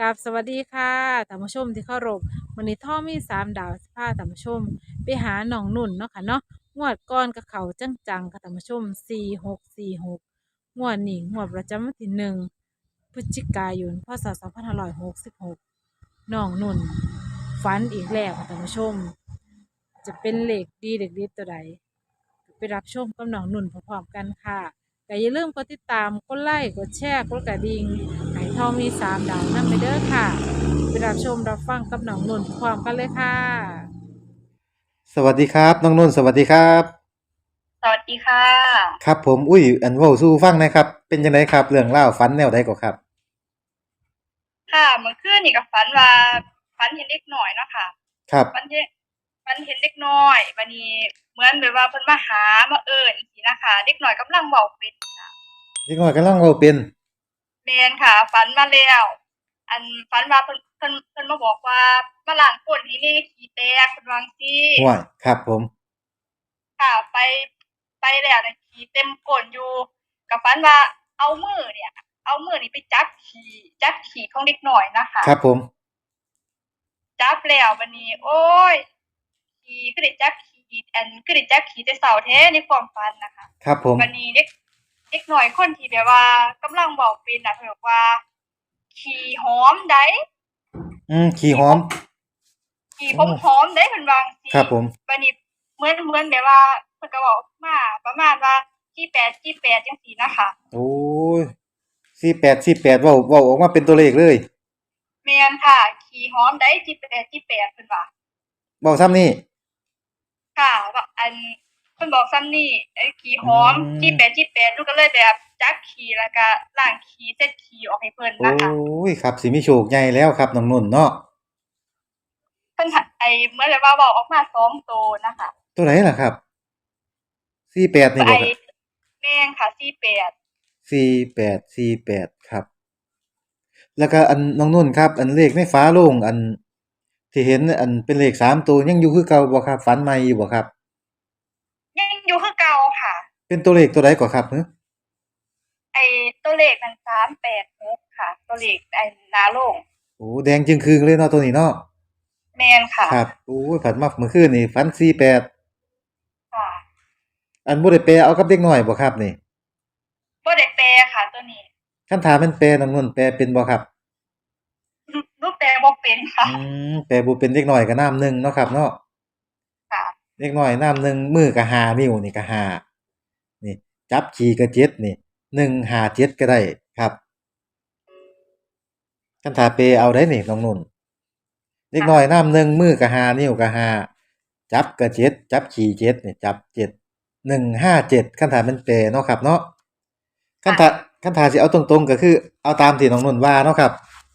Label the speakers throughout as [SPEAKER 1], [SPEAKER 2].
[SPEAKER 1] กับสวัสดีค่ะท่านผู้ชมที่เคารพวันนี้ท่อมี3 ดาวสิพาท่านผู้ชมไปหาหนองนุ่นเนาะค่ะเนาะงวดก่อนกับเขาจังๆค่ะท่านผู้ชม4646งวดนี้งวดประจำวันที่1 พฤศจิกายนพศ2566หนองนุ่นฝันอีกแล้วค่ะท่านผู้ชมจะเป็นเลขดีเลขเด็ดตัวใดไปรับชมกับหนองนุ่นพร้อมๆกันค่ะแต่อย่าลืมกดติดตามกดไลค์กดแชร์กดกระดิ่ง ไหทองมี3 ดาวนำไปเด้อค่ะไปรับชมรับฟังกับน้องนุ่นพร้อมกันเลยค่ะ
[SPEAKER 2] สวัสดีครับน้องนุ่นสวัสดีครับ
[SPEAKER 3] สวัสดีค่ะ
[SPEAKER 2] ครับผมอุ้ยอันเว้าสู่ฟังหนะครับเป็นจังไดครับเรื่องเล่าวฝันแนวใดก็ครับ
[SPEAKER 3] ค่ะเมื่อคืนนี่ก็ฝันเห็นเด็กน้อยเนาะค่ะ
[SPEAKER 2] ครับ
[SPEAKER 3] ฝันเห็นฝันเห็นเด็กน้อยบัดนี้เหมือนแบบว่าเพิ่นมาหามาเอิ้นจังซี้นะคะเด็กน้อยกำลังเว้าเป็นค่ะ
[SPEAKER 2] เด็กน้อยกำลังเว้าเป็น
[SPEAKER 3] แม่นค่ะฝันมาแล้วอันฝันว่าเพิ่นมาบอกว่ามาล้างก้นให้แหน่ขี้แตกเพิ่นว่าจั่งซี้
[SPEAKER 2] ห้วยครับผม
[SPEAKER 3] ค่ะไปแล้วน่ะขี้เต็มก้นอยู่ก็ฝันว่าเอามือเนี่ยเอามือนี่ไปจับขี้ของเด็กน้อยนะคะ
[SPEAKER 2] ครับผม
[SPEAKER 3] จับแล้วบัดนี้โอ๊ยขี่คือได้จับขี่คือได้จับขี่แต่เช้าแท้ในความฝันน่ะค่ะ
[SPEAKER 2] ครับผม
[SPEAKER 3] บัดนี้เด็กน้อยคนที่แบบว่ากำลังเว้าเป็นน่ะเพิ่นบอกว่าขี่หอมได้
[SPEAKER 2] ขี้หอม
[SPEAKER 3] ขี่ผมขี่
[SPEAKER 2] โอ้
[SPEAKER 3] ผมหอมได้เพิ่นว่าจั่ง
[SPEAKER 2] ครั
[SPEAKER 3] ซี้
[SPEAKER 2] บผม
[SPEAKER 3] บัดนี้เหมือนแบบว่าเพิ่นก็เว้ามาประมาณว่า48จังซี้น่ะค่ะ
[SPEAKER 2] โอ้ย48เว้าออกมาเป็นตัวเลขเลย
[SPEAKER 3] แม่นค่ะขี่หอมได้48เพิ่นว่า
[SPEAKER 2] เว้าซ้ำนี่
[SPEAKER 3] ค่ะแบบเพิ่นบอกซ้ำนี่ไอ้ขี้ห
[SPEAKER 2] อื
[SPEAKER 3] อมจี้
[SPEAKER 2] ม
[SPEAKER 3] แปดจี้แปดหนูก็เลยแบบจักขี้แล้วก็ล้างขี้เช็ดขี้ออกให้เพิ่น
[SPEAKER 2] โอ้
[SPEAKER 3] นะคะ
[SPEAKER 2] ยครับสิมีโชคใหญ่แล้วครับน้องนุ่นเนาะ
[SPEAKER 3] เพิ่นเหมือนแบบว่าเว้าออกมา2โตนะคะ
[SPEAKER 2] ตัวไหนล่ะครับ48นี่บ่
[SPEAKER 3] ไอ้
[SPEAKER 2] ครับ
[SPEAKER 3] แม่นค่ะ48
[SPEAKER 2] 48ครับแล้วก็อันน้องนุ่นครับอันเลขในฝาโลงอันที่เห็นอันเป็นเลข3 ตัวยังอยู่คือเก่าบ่ครับฝันใหม่อยู่บ่ครับ
[SPEAKER 3] ยังอยู่คือเก่าค่ะ
[SPEAKER 2] เป็นตัวเลขตัวใดก่อครับ
[SPEAKER 3] ไอ้ตัวเลขนั้น386ค่ะตัวเลขหน้าโรง
[SPEAKER 2] โอ้แดงจึงครึงเลยเนาะตัวนี้เนาะ
[SPEAKER 3] แม่นค่ะ
[SPEAKER 2] ครับโอ้ยผัดมาเมื่อคืนนี่ฝัน48
[SPEAKER 3] ค่ะ
[SPEAKER 2] อันบ่ได้แปลเอากับเด็กน้อยบ่ครับนี่
[SPEAKER 3] บ่ได้แปลค่ะตัวนี้
[SPEAKER 2] คันถามแม่นแปลน้องนุ่นแปลเป็นบ่ครับ
[SPEAKER 3] หนูแปลบ่เป็นค่ะ
[SPEAKER 2] อืแปลบ่เป็นเด็กน้อยก็น้ำหนึ่งเนาะครับเนาะ
[SPEAKER 3] ค่ะ
[SPEAKER 2] เด็กน้อยน้ำหนึ่งมือก็ห้านิ้วนี่ก็ห้านี่จับขี่ก็เจ็ดนี่157ก็ได้ครับคันถ้าแปลเอาได้นี่น้องนุ่นเด็กน้อย
[SPEAKER 3] ค่ะ
[SPEAKER 2] น้ำหนึ่งมือก็ห้านิ้วก็ห้าจับก็เจ็ดจับขี่เจ็ดนี่จับเจ็ด157คันถ้าแม่นแปลเนาะครับเนาะ คัน
[SPEAKER 3] ค่ะ
[SPEAKER 2] ถ้าคันถ้าสิเอาตรงๆก็คือเอาตามที่น้องนุ่นว่าเนาะครับ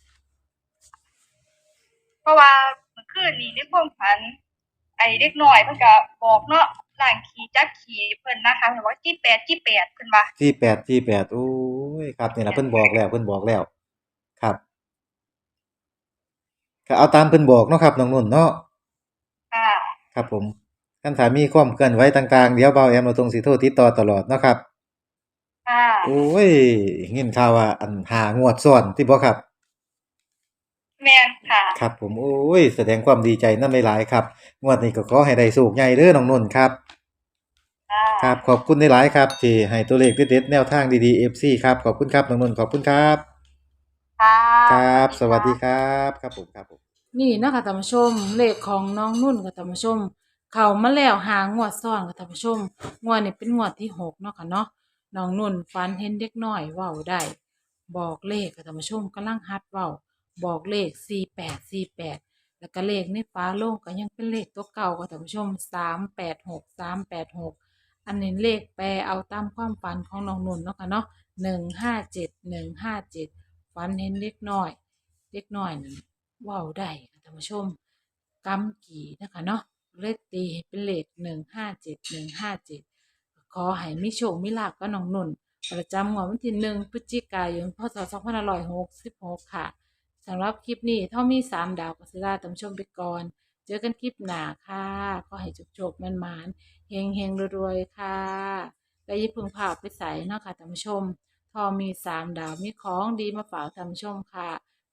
[SPEAKER 3] เพราะว่าเมื่อคืนนี้ในความฝัน ไอ้เด็กน้อยเพิ่นก็บอกเนาะล้างขี้จักขี้เพิ่นนะคะเพิ่นว่าจี้แปดเพิ่นว่า
[SPEAKER 2] 48โอ้ยครับนี่ล่ะเพิ่นบอกแล้วครับก็เอาตามเพิ่นบอกเนาะครับน้องนุ่นเนาะ
[SPEAKER 3] ค่ะ
[SPEAKER 2] ครับผมคันถ้ามีความเคลื่อนไหวต่างๆเดี๋ยวเบาแอมเราตรงสิโทรติดต่อตลอดเนาะครับ
[SPEAKER 3] ค่ะ
[SPEAKER 2] โอ้ยยินข่าวว่าอัน5 งวดซ้อนติบ่ครับ
[SPEAKER 3] แม่นค่ะ
[SPEAKER 2] ครับผมโอ้ยแสดงความดีใจนำหลายๆครับงวดนี้ก็ขอให้ได้โชคใหญ่เด้อน้องนุ่นครับ
[SPEAKER 3] ค่ะ
[SPEAKER 2] ครับขอบคุณหลายๆครับที่ให้ตัวเลขเด็ดๆแนวทางดีๆ FC ครับขอบคุณครับน้องนุ่นขอบคุณครับ
[SPEAKER 3] ค่ะ
[SPEAKER 2] ครับ
[SPEAKER 3] สวัสดี
[SPEAKER 2] สวัสดีค
[SPEAKER 3] ค่ะ
[SPEAKER 2] รับครับผมครับผม
[SPEAKER 1] นี่เนาะคะท่านผู้ชมเลขของน้องนุ่นกับท่านผู้ชมเข้ามาแล้วงวดซ้อนกับท่านผู้ชมงวดนี้เป็นงวดที่6เนาะค่ะเนาะน้องนุ่นฝันเห็นเด็กน้อยเว้าได้บอกเลขกับท่านผู้ชมกำลังหัดเว้าบอกเลข48แล้วก็เลขในฟ้าโลงก็ยังเป็นเลขตัวเก่ากับท่านผู้ชม386อันนี้เลขแปลเอาตามความฝันของน้องนุ่นเนาะค่ะเนาะ157ฝันเห็นเด็กน้อย เด็กน้อยนั่นเว้าได้ค่ะท่านผู้ชมกำกี่นะคะเนาะเลยตีให้เป็นเลข157ขอให้มีโชคมีลาภกับน้องนุ่นประจำงวดวันที่1 พฤศจิกายนพศ2566ค่ะสำหรับคลิปนี้ถ้ามี3 ดาวก็สิลาท่านผู้ชมไปก่อนเจอกันคลิปหน้าค่ะขอให้โชคๆมันๆเฮงๆรวยๆค่ะและอย่าเพึ่งพาไปใส่เนาะค่ะท่านผู้ชมทอมี3 ดาวมีของดีมาฝากท่านผู้ชมค่ะไป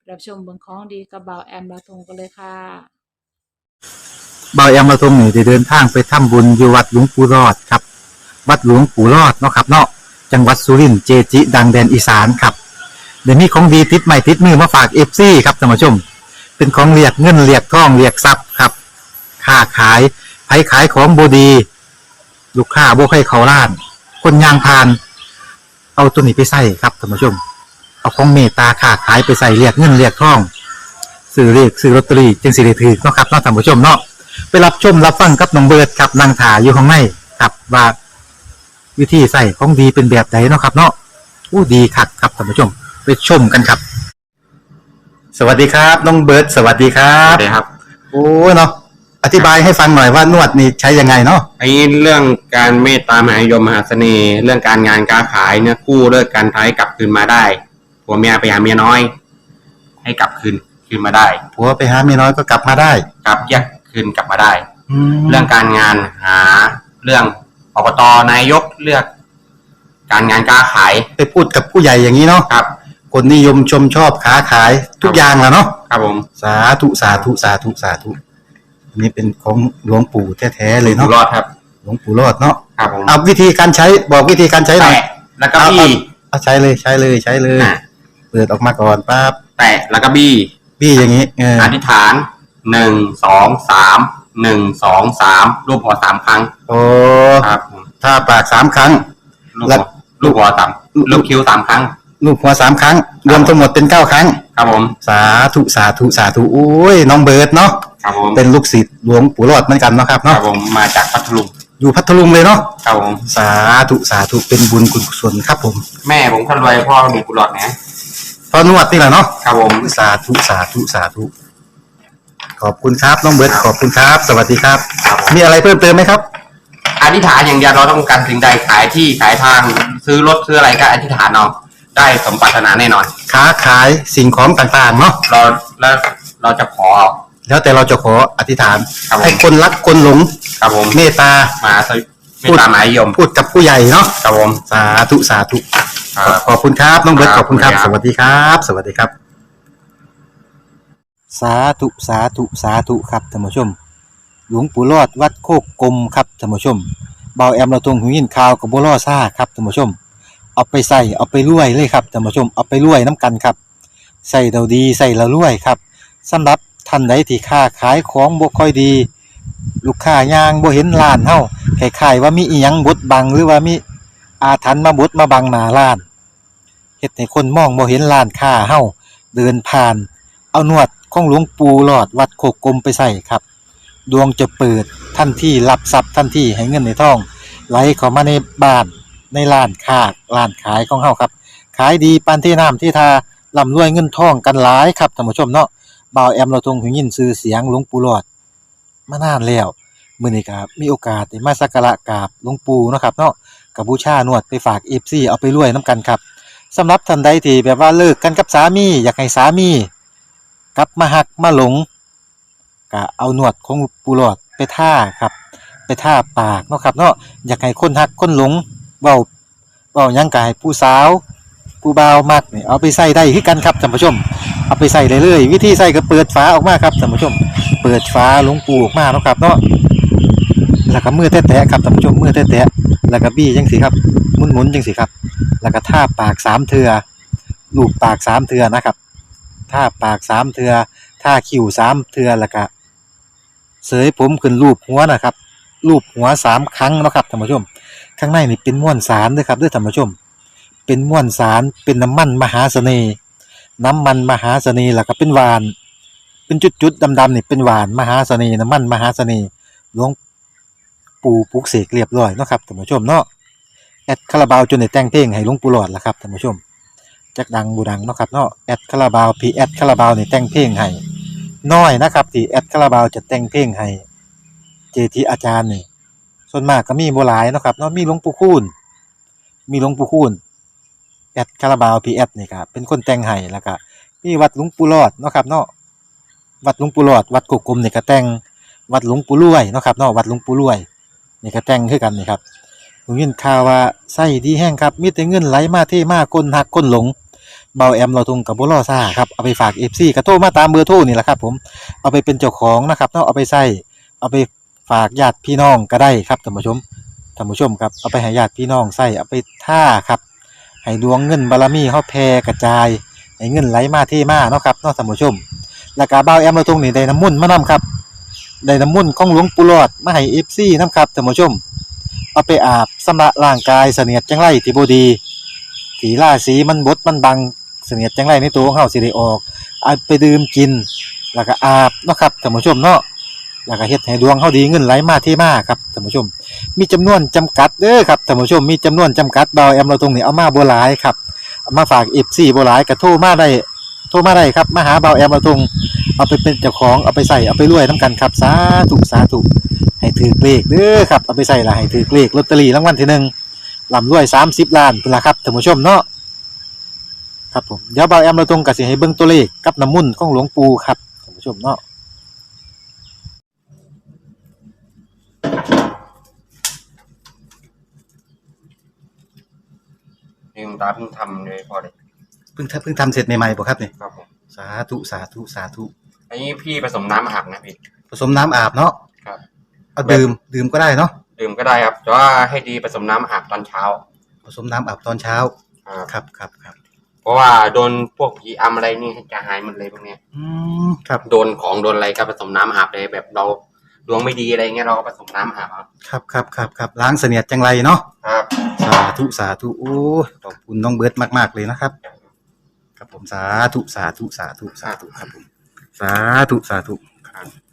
[SPEAKER 1] รับชมเบิ่งของดีกับบ่าวแอมบาทงกันเลยค่ะ
[SPEAKER 2] เบาแอมมาทรงนี่ได้เดินทางไปทำบุญอยู่วัดหลวงปู่รอดครับ วัดหลวงปู่รอดเนาะครับเนาะจังหวัดสุรินทร์เจจิ ดังแดนอีสานครับเดี๋ยวนี้ของดีติดใหม่ติดมือมาฝากเอฟซีครับท่านผู้ชม เป็นของเรียกเงินเรียกทองเรียกทรัพย์ครับค้าขายไผขายของบดี ลูกค้าบ่ใครเขาล้าน คนยางพาน เอาตัวนี้ไปใส่ครับท่านผู้ชม เอาของเมตตาค้าขายไปใส่เรียกเงินเรียกทองซื้อเลขซื้อลอตเตอรี่จึงสิได้ถือเนาะครับเนาะท่านผู้ชมเนาะไปรับชมรับฟังกับน้องเบิร์ดครับนางถาอยู่ข้างในครับว่าวิธีใส่ของดีเป็นแบบไหนเนาะครับ เนาะอู้ดีคักครับท่านผู้ชม ไปชมกันครับ สวัสดีครับน้องเบิร์ดสวัสดีครั
[SPEAKER 4] ครับ บครับ
[SPEAKER 2] โอ้เนาะอธิบายให้ฟังหน่อยว่านวดนี่ใช้ยังไงเนาะ
[SPEAKER 4] ไอ้เรื่องการเมตตามหานิยมมหาเสน่ห์ เรื่องการงานการขายเนี่ยกู้เลิกการท้ายกลับคืนมาได้ผัวเมียไปหาเมียน้อย ให้กลับคืนมาได้
[SPEAKER 2] ผัวไปหาเมียน้อยก็กลับมาได้
[SPEAKER 4] กลับแยกคืนกลับมาได้
[SPEAKER 2] แล้
[SPEAKER 4] เรื่
[SPEAKER 2] ว
[SPEAKER 4] องการงานหาเรื่องอบตนายกเลือก การงานการขาย
[SPEAKER 2] ไปพูดกับผู้ใหญ่อย่างนี้เนาะ
[SPEAKER 4] ครับ
[SPEAKER 2] คนนิยมชมชอบค้าขายทุกอย่างแหละเนาะ
[SPEAKER 4] ครับผม
[SPEAKER 2] สาธุสาธุสาธุสาธุอันนี้เป็นของหลวงปู่แท้ๆเลย
[SPEAKER 4] อยู่
[SPEAKER 2] เนาะ
[SPEAKER 4] รอดครับ
[SPEAKER 2] หลวงปู่รอดเนาะ
[SPEAKER 4] ครับผม
[SPEAKER 2] เอาวิธีการใช้บอกวิธีการใช้หน่อย
[SPEAKER 4] แตะแล้วก็บี้
[SPEAKER 2] เอาใช้เลยใช้เลยใช้เลย
[SPEAKER 4] อ่ะ
[SPEAKER 2] เปิดออกมาก่อนปั๊บ
[SPEAKER 4] แตะแล้วก็บี้
[SPEAKER 2] พี่อย่างนี้เออ
[SPEAKER 4] อธิษฐาน1 2 3 1 2 3รูปหัว3ครั้ง
[SPEAKER 2] โอ้
[SPEAKER 4] ครับผม
[SPEAKER 2] ถ้าปากสามครั้ง
[SPEAKER 4] ลูก
[SPEAKER 2] แล้
[SPEAKER 4] หั
[SPEAKER 2] ว
[SPEAKER 4] วลูกหัวต่ำลูกคิ้ว3ครั้ง
[SPEAKER 2] ลูกหัวสามครั้ง รวมทั้งหมดเป็น9ครั้ง
[SPEAKER 4] ครับผม
[SPEAKER 2] สาธุสาธุสาธุโอ้ยน้องเบิร์ดเนาะ
[SPEAKER 4] ครับผม
[SPEAKER 2] เป็นลูกศิษย์หลวงปู่รอดเหมือนกันเนาะครับ
[SPEAKER 4] ครั
[SPEAKER 2] เนาะ
[SPEAKER 4] บผมมาจากพัทลุง
[SPEAKER 2] อยู่พัทลุงเลยเนาะ
[SPEAKER 4] ครับผม
[SPEAKER 2] สาธุสาธุเป็นบุญกุศลครับผม
[SPEAKER 4] แม่ผมคนรวยพ่อมีกุหลาบนะ
[SPEAKER 2] พอนวดนี่แหละเนาะ
[SPEAKER 4] ครับผม
[SPEAKER 2] สาธุสาธุสาธุขอบคุณครับน้องเบิร์ดขอบคุณครับ สวัสดีครับ
[SPEAKER 4] ครับผม
[SPEAKER 2] มีอะไรเพิ่มเติมไหมครับ
[SPEAKER 4] อธิษฐานอย่างเดียวเราต้องการสิ่งใดขายที่ขายทางซื้อรถซื้ออะไรก็อธิษฐานเอาได้สมปรารถนาแน่นอน
[SPEAKER 2] ค้าขายสิ่งของต่างๆเนาะ
[SPEAKER 4] เราจะขอ
[SPEAKER 2] แล้วแต่เราจะขออธิษฐาน
[SPEAKER 4] ครับผม
[SPEAKER 2] ให้คนรักคนหลง
[SPEAKER 4] ครับผม
[SPEAKER 2] เมตตา
[SPEAKER 4] มาไม่ตามหมายยม
[SPEAKER 2] พูดกับผู้ใหญ่เนาะ
[SPEAKER 4] ครับผม
[SPEAKER 2] สาธุสาธุ
[SPEAKER 4] ครับ
[SPEAKER 2] ขอบคุณครับน้องเบิร์ต
[SPEAKER 4] ค
[SPEAKER 2] ข
[SPEAKER 4] รับ
[SPEAKER 2] อบคุณครับ
[SPEAKER 4] ขอบ
[SPEAKER 2] ส
[SPEAKER 4] คุณครับ
[SPEAKER 2] วัสดีครับ สวัสดีครับ สาธุสาธุสาธุครับท่านผู้ชม หลวงปู่รอดวัดโคกกลมครับท่านผู้ชมเบาแอมเราตรงหูยินข่าวกับบัวล่อซ่าครับท่านผู้ชม เอาไปใส่เอาไปรวยเลยครับท่านผู้ชมเอาไปรวยน้ำกันครับใส่เราดีใส่เรารวยครับสำหรับท่านใดที่ค้าขายของบ่ค่อยดี ลูกค้ายางบ่เห็นร้านเฮาคล้ายๆว่ามีอีหยังบดบังหรือว่ามีอาถรรพ์มาบดมาบังหน้าร้านเฮ็ดให้คนมองบ่เห็นร้านค้าเฮาเดินผ่าน เอานวดของหลวงปู่หลอดวัดโคกกลมไปใส่ครับ ดวงจะเปิดทันทีรับทรัพย์ทันทีให้เงินในท้องไหลเข้ามาในบ้านในร้านค้าร้านขายของเฮาครับ ขายดีปานที่น้ำที่ทาร่ำรวยเงินทองกันหลายครับท่านผู้ชมเนาะบ่าวแอมเราทรงหูยินชื่อเสียงหลวงปู่หลอดมานานแล้วมื้อนี้ก็มีโอกาสได้มาสักการะกราบหลวงปู่เนาะครับเนาะก็บูชานวดไปฝาก FC เอาไปรวยนํกันครับสำหรับท่านใดที่แบบว่าเลิกกันกับสามีอยากให้สามีกลับมาหักมาหลงก็เอานวดของปู่หลอดไปท่าครับไปท่าปากเนาะครับเนาะอยากให้คนหักคนหลงเว้าหยังก็ให้ผู้สาวผู้บ่าวมักนี่เอาไปใส่ได้คือกันครับท่านผู้ชมเอาไปใส่ได้เลยวิธีใส่ก็เปิดฝาออกมาครับท่านผู้ชมเปิดฝาหลวงปู่ออกมาเนาะครับเนาะแล้วก็มือแตะๆครับท่านผู้ชมมือแตะๆแล้วก็บี้จังสิครับหมุนๆจังสิครับแล้วก็ท่าปาก3เทื่อลูบปาก3เทื่อนะครับท่าปาก3เทื่อท่าคิ้ว3เทื่อแล้วก็เสยผมขึ้นรูปหัวนะครับรูปหัว3ครั้งเนาะครับท่านผู้ชมข้างในนี่เป็นม้วนสารเด้อครับเด้อท่านผู้ชมเป็นม้วนสารเป็นน้ำมันมหาเสน่ห์น้ำมันมหาเสน่ห์แล้วก็เป็นหวานเป็นจุดๆดำๆนี่เป็นหวานมหาเสน่ห์น้ำมันมหาเสน่ห์หลวงปู่ปลุกเสกเรียบร้อยเนาะครับท่านผู้ชมเนาะแอดคาราบาวจนได้แต่งเพลงให้หลวงปู่หลอดล่ะครับท่านผู้ชมจักดังบูดังเนาะครับเนาะแอดคาราบาวพี่แอดคาราบาวนี่แต่งเพลงให้น้อยนะครับที่แอดคาราบาวจะแต่งเพลงให้เจทีอาจารย์นี่ส่วนมากก็มีบ่หลายเนาะครับเนาะมีหลวงปู่คูณแอดคาราบาวพีแอดนี่ครับเป็นคนแต่งให้แล้วก็มีวัดหลวงปู่รอดเนาะครับเนาะวัดหลวงปู่รอดวัดกุกกลมนี่ก็แต่งวัดหลวงปู่รวยเนาะครับเนาะวัดหลวงปู่รวยนี่ก็แต่งคือกันนี่ครับผมยินข่าวว่าไส้ดีแห้งครับมีแต่เงินไหลมาเทมาคนหักคนหลงเบาแอมเราทงกับบ่รอซ่าครับเอาไปฝาก FC ก็โทรมาตามเบอร์โทรนี่แหละครับผมเอาไปเป็นเจ้าของนะครับเนาะเอาไปใช้เอาไปฝากญาติพี่น้องก็ได้ครับท่านผู้ชมครับเอาไปให้ญาติพี่น้องใช้เอาไปท่าครับให้ดวงเงินบารมีเฮาแผ่กระจายให้เงินไหลมาเทมาเนาะครับเนาะท่านผู้ชมแล้วก็เบาแอมเราทงนี่ได้น้ำมนต์มานํครับได้น้ำมนต์ของหลวงปู่หลอดมาให้ FC นํครับท่านผู้ชมเอาไปอาบชำระร่างกายเสนียดจังไรที่บ่ดีที่ราศีมันบดมันบังเสนียดจังไรในตัวของเฮาสิได้ออกเอาไปดื่มกินแล้วก็อาบเนาะครับท่านผู้ชมเนาะแล้วก็เฮ็ดให้ดวงเฮาดีเงินไหลมาเทมาครับท่านผู้ชมมีจำนวนจำกัดเด้อครับท่านผู้ชมมีจำนวนจำกัดเบาแอมเราตรงนี้เอามาบ่หลายครับเอามาฝาก FC บ่หลายก็โทรมาได้ครับมาหาเบาแอมเราตรงเอาไปเป็นเจ้าของเอาไปใส่เอาไปรวยนํกันครับสาธุให้ถือเลขเด้อครับเอาไปใส่ละให้ถือเลขลอตเตอรี่รางวัลที่หนึ่งร่ำรวย30ล้านพุ่นล่ะครับท่านผู้ชมเนาะครับผมเดี๋ยวเบาแอมเราตรงก็สิให้เบิ่งตัวเลขกับน้ำมนต์ของหลวงปู่ครับท่านผู้ชมเนาะ
[SPEAKER 4] นี่คุณตาเพิ่งทำเลยพอเลย
[SPEAKER 2] เพิ่งทำเสร็จใหม่ๆบ่ครับนี่
[SPEAKER 4] ครับผม
[SPEAKER 2] สาธุ
[SPEAKER 4] อันนี้พี่ผสมน้ำอาบนะพี่
[SPEAKER 2] ผสมน้ำอาบเนาะ
[SPEAKER 4] ครับ
[SPEAKER 2] เอาดื่มก็ได้เนาะ
[SPEAKER 4] ดื่มก็ได้ครับแต่ว่าให้ดีผสมน้ำอาบตอนเช้า
[SPEAKER 2] ผสมน้ำอาบตอนเช้า ครับ
[SPEAKER 4] เพราะว่าโดนพวกผีอำอะไรนี่จะหายหมดเลยพวกเนี้ย
[SPEAKER 2] ครับ
[SPEAKER 4] โดนของโดนอะไรก็ผสมน้ำอาบเลยแบบเราดวงไม่ดีอะไรเงี้ยเราก็ผสมน้ำอาบ
[SPEAKER 2] ครับล้างเสนียดจังไรเนาะ
[SPEAKER 4] ครับ
[SPEAKER 2] สาธุโอ้ยขอบคุณน้องเบิร์ดมากๆเลยนะครับครับผมสาธุครับผมสาธุครับ